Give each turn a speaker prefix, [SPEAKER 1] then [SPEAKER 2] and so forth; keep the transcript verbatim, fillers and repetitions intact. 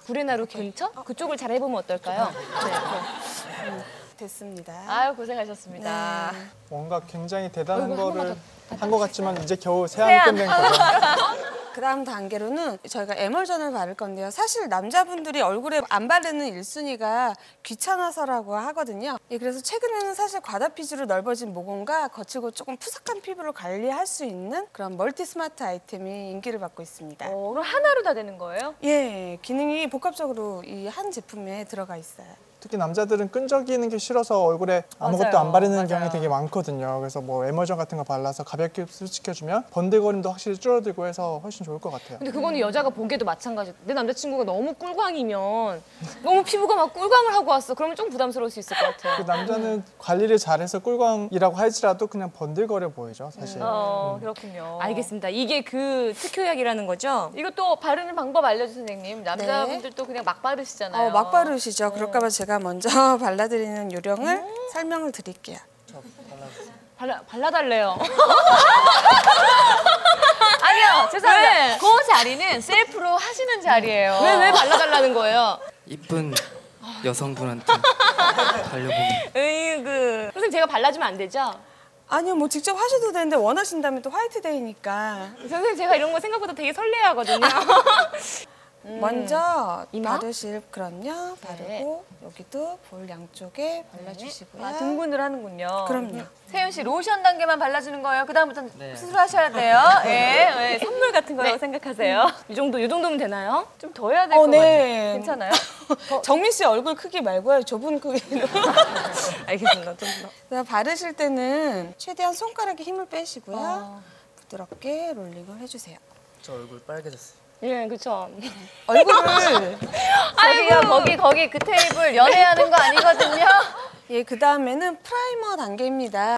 [SPEAKER 1] 구레나루 근처? 그쪽을 잘 해보면 어떨까요? 네.
[SPEAKER 2] 음, 됐습니다.
[SPEAKER 1] 아유, 고생하셨습니다.
[SPEAKER 2] 네.
[SPEAKER 3] 뭔가 굉장히 대단한
[SPEAKER 1] 얼굴
[SPEAKER 3] 거를
[SPEAKER 1] 한
[SPEAKER 3] 한 것 같지만 이제 겨우 세안이 끝낸 거죠.
[SPEAKER 2] 그 다음 단계로는 저희가 에멀전을 바를 건데요. 사실 남자분들이 얼굴에 안 바르는 일 순위가 귀찮아서라고 하거든요. 예, 그래서 최근에는 사실 과다피지로 넓어진 모공과 거칠고 조금 푸석한 피부를 관리할 수 있는 그런 멀티 스마트 아이템이 인기를 받고 있습니다.
[SPEAKER 1] 어, 그럼 하나로 다 되는 거예요?
[SPEAKER 2] 예, 기능이 복합적으로 이 한 제품에 들어가 있어요.
[SPEAKER 3] 특히 남자들은 끈적이는 게 싫어서 얼굴에 아무것도
[SPEAKER 1] 맞아요.
[SPEAKER 3] 안 바르는
[SPEAKER 1] 맞아요.
[SPEAKER 3] 경향이 되게 많거든요. 그래서 뭐 에머전 같은 거 발라서 가볍게 흡수시켜주면 번들거림도 확실히 줄어들고 해서 훨씬 좋을 것 같아요.
[SPEAKER 1] 근데 그거는 여자가 보기에도 마찬가지예요. 내 남자친구가 너무 꿀광이면 너무 피부가 막 꿀광을 하고 왔어. 그러면 좀 부담스러울 수 있을 것 같아요.
[SPEAKER 3] 그 남자는 관리를 잘해서 꿀광이라고 할지라도 그냥 번들거려 보이죠, 사실.
[SPEAKER 1] 어, 그렇군요.
[SPEAKER 4] 알겠습니다. 이게 그 특효약이라는 거죠?
[SPEAKER 1] 이것도 바르는 방법 알려주세요, 선생님. 남자분들도 그냥 막 바르시잖아요.
[SPEAKER 2] 어, 막 바르시죠. 그럴까 봐 제가 먼저 발라드리는 요령을
[SPEAKER 1] 음.
[SPEAKER 2] 설명을 드릴게요.
[SPEAKER 1] 발라, 발라달래요. 아니요, 죄송합니다.
[SPEAKER 4] 왜?
[SPEAKER 1] 그 자리는 셀프로 하시는 자리예요.
[SPEAKER 4] 왜, 왜 발라달라는 거예요?
[SPEAKER 5] 이쁜 여성분한테 달려보면
[SPEAKER 4] 으이그. 선생님 제가 발라주면 안 되죠?
[SPEAKER 2] 아니요, 뭐 직접 하셔도 되는데 원하신다면 또 화이트데이니까
[SPEAKER 4] 선생님 제가 이런 거 생각보다 되게 설레하거든요.
[SPEAKER 2] 음. 먼저
[SPEAKER 4] 이마?
[SPEAKER 2] 바르실 그럼요. 바르고 여기도 볼 양쪽에 발라주시고요.
[SPEAKER 1] 아, 등분을 하는군요.
[SPEAKER 2] 그럼요.
[SPEAKER 1] 세윤 씨 로션 단계만 발라주는 거예요. 그 다음부터는
[SPEAKER 5] 네.
[SPEAKER 1] 수술하셔야 돼요. 예, 예, 선물 같은 거라고 생각하세요.
[SPEAKER 4] 이 정도, 이 정도면 되나요?
[SPEAKER 1] 좀 더 해야 될 것
[SPEAKER 2] 어, 네.
[SPEAKER 1] 같아요. 괜찮아요?
[SPEAKER 2] 정민 씨 얼굴 크기 말고요. 좁은 크기로.
[SPEAKER 4] 알겠습니다. 좀 더.
[SPEAKER 2] 그래서 바르실 때는 최대한 손가락에 힘을 빼시고요.
[SPEAKER 1] 어.
[SPEAKER 2] 부드럽게 롤링을 해주세요.
[SPEAKER 5] 저 얼굴 빨개졌어요.
[SPEAKER 4] 예, 그쵸.
[SPEAKER 2] 얼굴을
[SPEAKER 1] 저기요, 거기, 거기 그 테이블 연애하는 거 아니거든요?
[SPEAKER 2] 예, 그 다음에는 프라이머 단계입니다.